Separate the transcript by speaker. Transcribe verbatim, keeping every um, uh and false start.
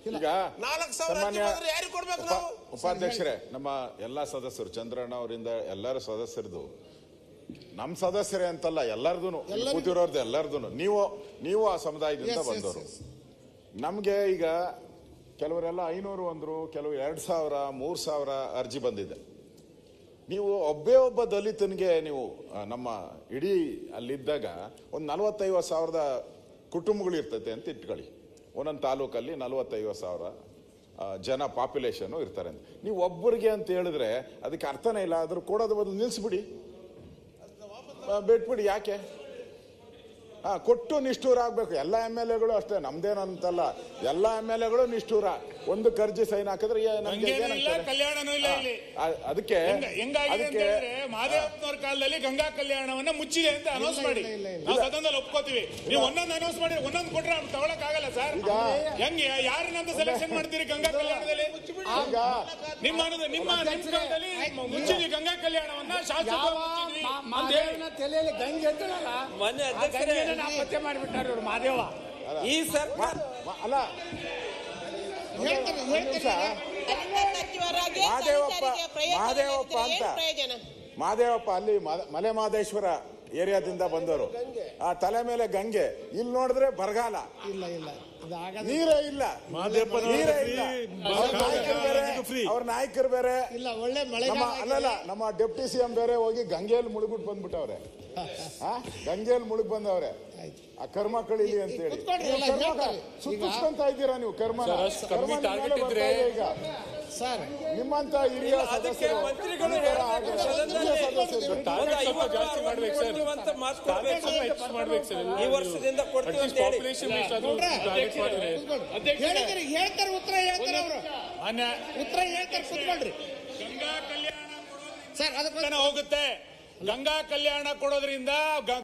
Speaker 1: ಈಗ ಸಾಮಾನ್ಯ ಉಪಾಧ್ಯಕ್ಷರೇ, ನಮ್ಮ ಎಲ್ಲಾ ಸದಸ್ಯರು, ಚಂದ್ರಣ್ಣ ಅವರಿಂದ ಎಲ್ಲರೂ ಸದಸ್ಯರದು, ನಮ್ಮ ಸದಸ್ಯರೇ ಅಂತಲ್ಲ, ಎಲ್ಲರದು ಕೂತಿರೋರ್ದು ಎಲ್ಲರದು, ನೀವು ನೀವು ಆ ಸಮುದಾಯದಿಂದ ಬಂದವರು. ನಮ್ಗೆ ಈಗ ಕೆಲವರೆಲ್ಲ ಐನೂರು ಅಂದ್ರು, ಕೆಲವು ಎರಡ್ ಸಾವಿರ ಮೂರ್ ಸಾವಿರ ಅರ್ಜಿ ಬಂದಿದೆ. ನೀವು ಒಬ್ಬೇ ಒಬ್ಬ ದಲಿತನಿಗೆ ನೀವು ನಮ್ಮ ಇಡೀ ಅಲ್ಲಿದ್ದಾಗ ಒಂದು ನಲವತ್ತೈವತ್ತು ಸಾವಿರದ ಕುಟುಂಬಗಳು ಇರ್ತೈತೆ ಅಂತ ಇಟ್ಕೊಳ್ಳಿ. ಒಂದೊಂದು ತಾಲೂಕಲ್ಲಿ ನಲವತ್ತೈವತ್ತು ಸಾವಿರ ಜನ ಪಾಪ್ಯುಲೇಷನ್ ಇರ್ತಾರೆ ಅಂತ. ನೀವು ಒಬ್ಬರಿಗೆ ಅಂತ ಹೇಳಿದ್ರೆ ಅದಕ್ಕೆ ಅರ್ಥನೇ ಇಲ್ಲ. ಅದ್ರ ಕೊಡೋದು ಬದಲು ನಿಲ್ಲಿಸ್ಬಿಡಿ, ಬಿಟ್ಬಿಡಿ. ಯಾಕೆ ಹಾ ಕೊಟ್ಟು ನಿಷ್ಠೂರ ಆಗ್ಬೇಕು. ಎಲ್ಲ ಎಮ್ ಎಲ್ ಎಗಳು ಅಷ್ಟೇ, ನಮ್ದೇನಂತಲ್ಲ, ಎಲ್ಲ ಎಮ್ ಎಲ್ ಎಗಳು ನಿಷ್ಠೂರ. ಒಂದು ಕರ್ಜಿ ಸೈನ್ ಹಾಕಿದ್ರೆ ಅದಕ್ಕೆ
Speaker 2: ಮಹದೇವಪ್ಪನವ್ರ ಕಾಲದಲ್ಲಿ ಗಂಗಾ ಕಲ್ಯಾಣವನ್ನ ಮುಚ್ಚಿದೆ ಅಂತ ಅನೌನ್ಸ್ ಮಾಡಿ ನಾವು ಸದನದಲ್ಲಿ ಒಪ್ಕೋತೀವಿ. ನೀವು ಒಂದೊಂದು ಅನೌನ್ಸ್ ಮಾಡಿ ಒಂದೊಂದು ಕೊಟ್ರೆ ತಗೊಳಕ್ ಆಗಲ್ಲ ಸರ್. ಹೆಂಗೆ ಯಾರನ್ನಂತ ಸೆಲೆಕ್ಷನ್ ಮಾಡ್ತೀರಿ ಗಂಗಾ ಕಲ್ಯಾಣದಲ್ಲಿ? ನಿಮ್ಮ ನಿಮ್ಮ ಕಾಲದಲ್ಲಿ ಮುಚ್ಚಿದ್ವಿ ಗಂಗಾ ಕಲ್ಯಾಣವನ್ನ, ಶಾಸಕ
Speaker 3: ತಲೆಯಲ್ಲಿ ಗಂಗೆ ನಾಪತ್ತೆ ಮಾಡಿಬಿಟ್ಟಾರ ಇವ್ರು ಮಹದೇವ. ಈ ಸರ್ಕಾರ
Speaker 1: ಅಲ್ಲ ಮಹದೇವಪ್ಪ ಮಹದೇವಪ್ಪ ಅಂತ ಮಹದೇವಪ್ಪ ಅಲ್ಲಿ ಮಲೆ ಮಹದೇಶ್ವರ ಏರಿಯಾದಿಂದ ಬಂದವರು. ಆ ತಲೆ ಮೇಲೆ ಗಂಗೆ, ಇಲ್ಲಿ ನೋಡಿದ್ರೆ ಬರಗಾಲ,
Speaker 3: ಇಲ್ಲ ಇಲ್ಲ
Speaker 1: ನೀರೇ ಇಲ್ಲ, ನೀರೇ ಇಲ್ಲ. ಅವ್ರ ನಾಯಕರು ಬೇರೆ
Speaker 3: ಇಲ್ಲ, ಒಳ್ಳೆ ಮಳೆ
Speaker 1: ಅಲ್ಲಲ್ಲ, ನಮ್ಮ ಡೆಪ್ಟಿ ಸಿ ಎಂ ಬೇರೆ ಹೋಗಿ ಗಂಗೆಯಲ್ಲಿ ಮುಳುಗ್ಬಿಟ್ಟು ಬಂದ್ಬಿಟ್ಟವ್ರೆ. ಗಂಗೆಯಲ್ಲಿ ಮುಳುಗ್ ಬಂದವ್ರೆ. ಆ ಕರ್ಮ ಕಳೀಲಿ ಅಂತ ಹೇಳಿ ಸುತ್ತಿಸ್ಕೊಂತ ಇದ್ದೀರಾ ನೀವು. ಕರ್ಮ ಈಗ
Speaker 3: ಸರ್
Speaker 1: ನಿಮ್ಮಂತ ಹಿರಿಯ ಸದಸ್ಯರು
Speaker 4: ಈ ವರ್ಷದಿಂದ
Speaker 3: ಹೇಳ್ತಾರೆ, ಉತ್ತರ ಹೇಳ್ತಾರೆ ಅವರು, ಉತ್ತರ ಹೇಳ್ತಾರೆ. ಕೂತ್ಕೊಳ್ರಿ.
Speaker 2: ಗಂಗಾ ಕಲ್ಯಾಣ ಸರ್ ಅದಕ್ಕೆ ಹೋಗುತ್ತೆ. ಗಂಗಾ ಕಲ್ಯಾಣ ಕೊಡೋದ್ರಿಂದ